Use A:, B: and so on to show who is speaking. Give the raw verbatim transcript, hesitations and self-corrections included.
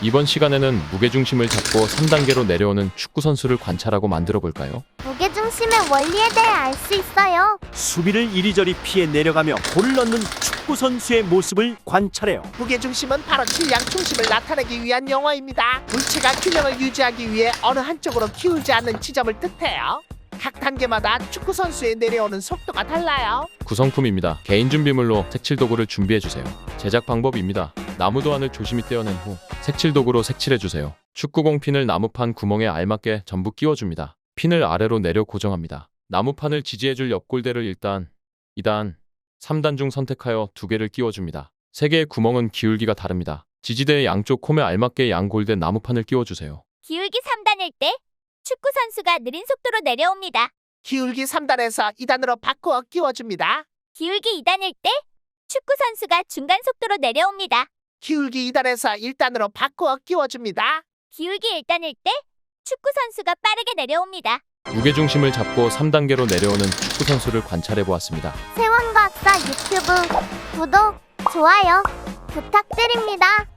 A: 이번 시간에는 무게중심을 잡고 삼 단계로 내려오는 축구 선수를 관찰하고 만들어 볼까요?
B: 무게중심의 원리에 대해 알 수 있어요.
C: 수비를 이리저리 피해 내려가며 골을 넣는 축구 선수의 모습을 관찰해요.
D: 무게중심은 바로 질량 중심을 나타내기 위한 용어입니다. 물체가 균형을 유지하기 위해 어느 한쪽으로 기울지 않는 지점을 뜻해요. 각 단계마다 축구 선수의 내려오는 속도가 달라요.
A: 구성품입니다. 개인 준비물로 색칠 도구를 준비해 주세요. 제작 방법입니다. 나무 도안을 조심히 떼어낸 후 색칠 도구로 색칠해 주세요. 축구공 핀을 나무판 구멍에 알맞게 전부 끼워줍니다. 핀을 아래로 내려 고정합니다. 나무판을 지지해줄 옆골대를 일 단, 이 단, 삼 단 중 선택하여 두 개를 끼워줍니다. 세 개의 구멍은 기울기가 다릅니다. 지지대의 양쪽 홈에 알맞게 양골대 나무판을 끼워주세요.
B: 기울기 삼 단일 때 축구 선수가 느린 속도로 내려옵니다.
D: 기울기 삼 단에서 이 단으로 바꾸어 끼워줍니다.
B: 기울기 이 단일 때 축구 선수가 중간 속도로 내려옵니다.
D: 기울기 이 단에서 일 단으로 바꾸어 끼워줍니다.
B: 기울기 일 단일 때 축구 선수가 빠르게 내려옵니다.
A: 무게중심을 잡고 삼 단계로 내려오는 축구 선수를 관찰해 보았습니다.
B: 세원과학사 유튜브 구독, 좋아요 부탁드립니다.